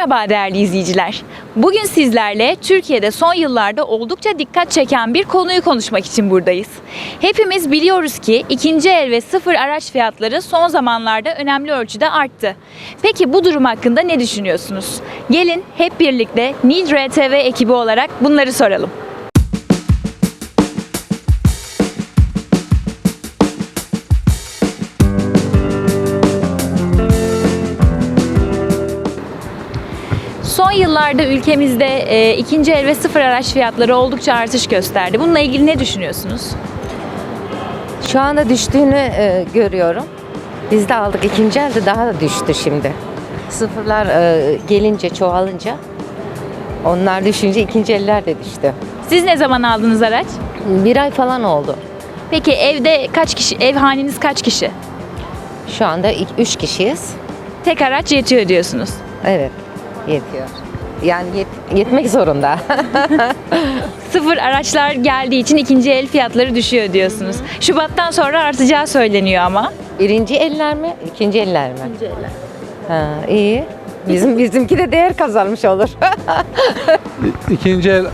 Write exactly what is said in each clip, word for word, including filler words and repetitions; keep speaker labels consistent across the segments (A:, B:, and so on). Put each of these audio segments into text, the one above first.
A: Merhaba değerli izleyiciler. Bugün sizlerle Türkiye'de son yıllarda oldukça dikkat çeken bir konuyu konuşmak için buradayız. Hepimiz biliyoruz ki ikinci el ve sıfır araç fiyatları son zamanlarda önemli ölçüde arttı. Peki bu durum hakkında ne düşünüyorsunuz? Gelin hep birlikte Need R T V ekibi olarak bunları soralım. Son yıllarda ülkemizde e, ikinci el ve sıfır araç fiyatları oldukça artış gösterdi. Bununla ilgili ne düşünüyorsunuz?
B: Şu anda düştüğünü e, görüyorum. Biz de aldık. İkinci elde daha da düştü şimdi. Sıfırlar e, gelince, çoğalınca, onlar düşünce ikinci eller de düştü.
A: Siz ne zaman aldınız araç?
B: Bir ay falan oldu.
A: Peki evde kaç kişi, ev haneniz kaç kişi?
B: Şu anda ik- üç kişiyiz.
A: Tek araç yetiyor diyorsunuz.
B: Evet, yetiyor. Yani yet- yetmek zorunda.
A: Sıfır araçlar geldiği için ikinci el fiyatları düşüyor diyorsunuz. Şubattan sonra artacağı söyleniyor ama.
B: Birinci eller mi, ikinci eller mi? İkinci eller. Ha, iyi. Bizim bizimki de değer kazanmış olur.
C: İkinci el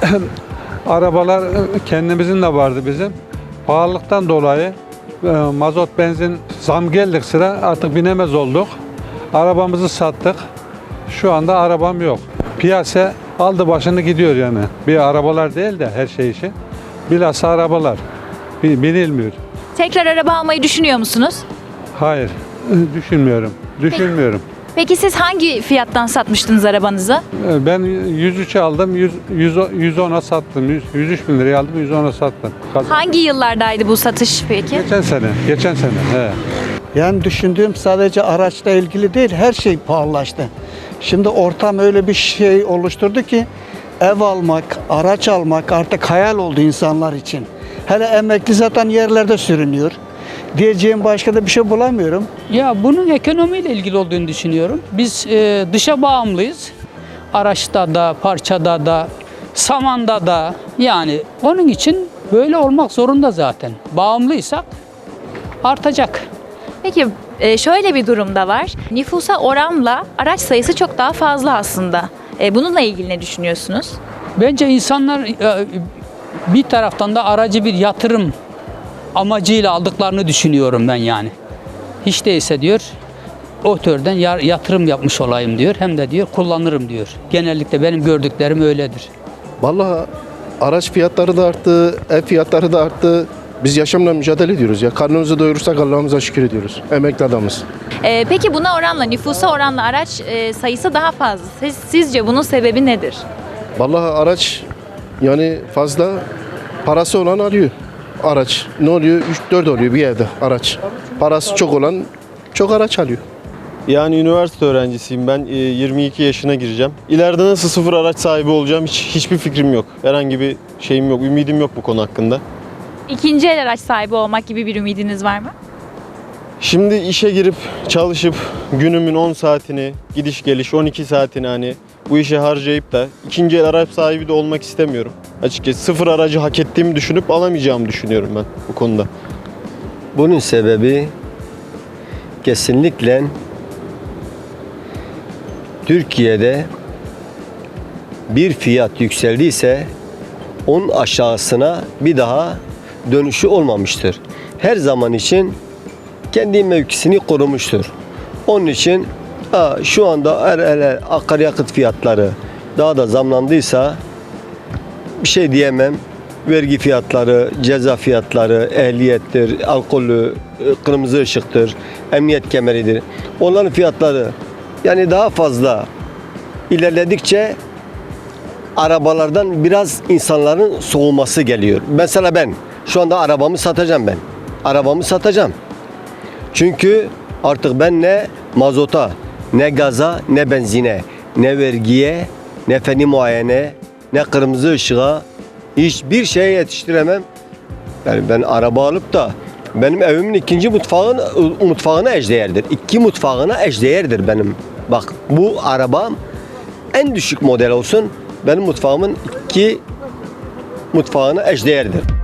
C: arabalar kendimizin de vardı bizim. Pahalılıktan dolayı e, mazot, benzin zam geldik sıra artık binemez olduk. Arabamızı sattık. Şu anda arabam yok. Piyasa aldı başını gidiyor yani. Bir arabalar değil de her şey için. Bilhassa arabalar. Bi- Binilmiyor.
A: Tekrar araba almayı düşünüyor musunuz?
C: Hayır. Düşünmüyorum. Düşünmüyorum.
A: Peki siz hangi fiyattan satmıştınız arabanızı?
C: E, Ben yüz üç aldım. yüz, yüz, yüz ona sattım. yüz, yüz üç bin liraya aldım. yüz ona sattım. Kazandım.
A: Hangi yıllardaydı bu satış peki?
C: Geçen sene. Geçen sene. He.
D: Yani düşündüğüm sadece araçla ilgili değil, her şey pahalılaştı. Şimdi ortam öyle bir şey oluşturdu ki ev almak, araç almak artık hayal oldu insanlar için. Hele emekli zaten yerlerde sürünüyor. Diyeceğim başka da bir şey bulamıyorum.
E: Ya bunun ekonomiyle ilgili olduğunu düşünüyorum. Biz e, dışa bağımlıyız. Araçta da, parçada da, samanda da. Yani onun için böyle olmak zorunda zaten. Bağımlıysak artacak.
A: Peki e, şöyle bir durum da var. Nüfusa oranla araç sayısı çok daha fazla aslında. E, Bununla ilgili ne düşünüyorsunuz?
E: Bence insanlar e, bir taraftan da aracı bir yatırım amacıyla aldıklarını düşünüyorum ben yani. Hiç değilse diyor, o türden yatırım yapmış olayım diyor. Hem de diyor kullanırım diyor. Genellikle benim gördüklerim öyledir.
F: Vallahi araç fiyatları da arttı, ev fiyatları da arttı. Biz yaşamla mücadele ediyoruz ya. Karnımızı doyurursak Allah'ımıza şükür ediyoruz. Emekli adamız.
A: E, peki buna oranla, nüfusa oranla araç e, sayısı daha fazla. Siz, sizce bunun sebebi nedir?
F: Vallahi araç yani fazla parası olan alıyor. Araç ne oluyor? üç dört oluyor bir evde araç. Parası çok olan çok araç alıyor.
G: Yani üniversite öğrencisiyim ben. e, yirmi iki yaşına gireceğim. İleride nasıl sıfır araç sahibi olacağım hiç hiçbir fikrim yok. Herhangi bir şeyim yok, ümidim yok bu konu hakkında.
A: İkinci el araç sahibi olmak gibi bir ümidiniz var mı?
G: Şimdi işe girip çalışıp günümün on saatini, gidiş geliş on iki saatini hani bu işe harcayıp da ikinci el araç sahibi de olmak istemiyorum. Açıkçası sıfır aracı hak ettiğimi düşünüp alamayacağımı düşünüyorum ben bu konuda.
H: Bunun sebebi kesinlikle Türkiye'de bir fiyat yükseldiyse onun aşağısına bir daha dönüşü olmamıştır. Her zaman için kendi mevkisini korumuştur. Onun için ha, şu anda eğer, eğer akaryakıt fiyatları daha da zamlandıysa bir şey diyemem. Vergi fiyatları, ceza fiyatları, ehliyettir, alkolü, kırmızı ışıktır, emniyet kemeridir. Onların fiyatları yani daha fazla ilerledikçe arabalardan biraz insanların soğuması geliyor. Mesela ben şu anda arabamı satacağım ben. Arabamı satacağım. Çünkü artık ben ne mazota, ne gaza, ne benzine, ne vergiye, ne feni muayene, ne kırmızı ışığa hiçbir şeye yetiştiremem. Yani ben araba alıp da benim evimin ikinci mutfağın, mutfağına eşdeğerdir. İki mutfağına eşdeğerdir benim. Bak bu arabam en düşük model olsun benim mutfağımın iki mutfağına eşdeğerdir.